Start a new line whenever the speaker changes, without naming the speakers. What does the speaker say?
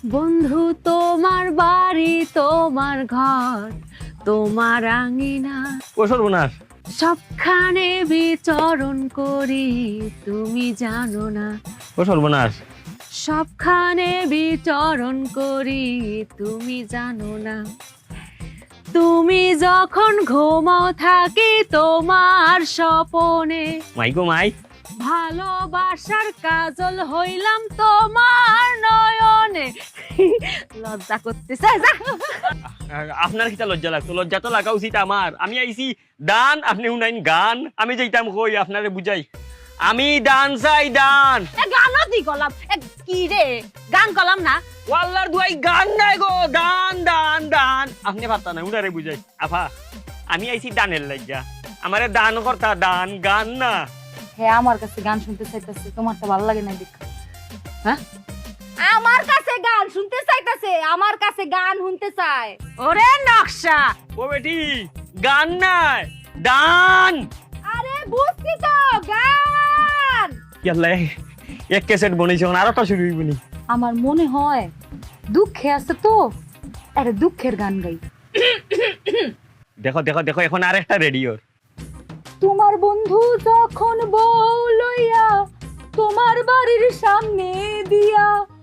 বন্ধু তোমার বাড়ি তোমার ঘর তোমার আঙিনা
ও সর্বনাশ,
সবখানে বিচরণ করি তুমি জানো না।
ও সর্বনাশ।
সবখানে বিচরণ করি তুমি জানো না। তুমি যখন ঘুমাও থাকি তোমার স্বপনে,
মাই গো মাই,
ভালোবাসার কাজল হইলাম তোমার নয়নে। লজ্জা করতেছে যা।
আপনার কিটা লজ্জা লাগতো? লজ্জা তো লাগা উচিত আমার। আমি আইছি দান, আপনি শুনাইন গান। আমি যেইটাম কই আপনারে বুঝাই, আমি দান চাই দান।
গানও দি গলাম কি রে, গান গলাম না।
ওয়াল্লার দুয়াই গান নাই গো, দান দান দান। আপনি পারতা না, উনারে বুঝাই। আফা, আমি আইছি দানের লজ্জা, আমারে দান করতা, দান গান না।
হ্যাঁ আমার কাছে গান শুনতে চাইতেছে, তোমারটা ভালো লাগে না দেখ।
হ্যাঁ,
আমার কাছে গান শুনতে চাইতেছে, আমার কাছে গান শুনতে চায়।
ওরে নকশা,
ও বেটি, গান নাই, দান।
আরে বুঝছি তো, গান।
ইয়াল্লা, এক ক্যাসেট বনাইছে, আর একটা শুরু হইব নি।
আমার মনে হয় দুঃখে আছে তো, আরে দুঃখের গান গাই।
দেখো দেখো দেখো, এখন আর একটা রেডিওর।
তোমার বন্ধু যখন বউ লইয়া তোমার বাড়ির সামনে দিয়া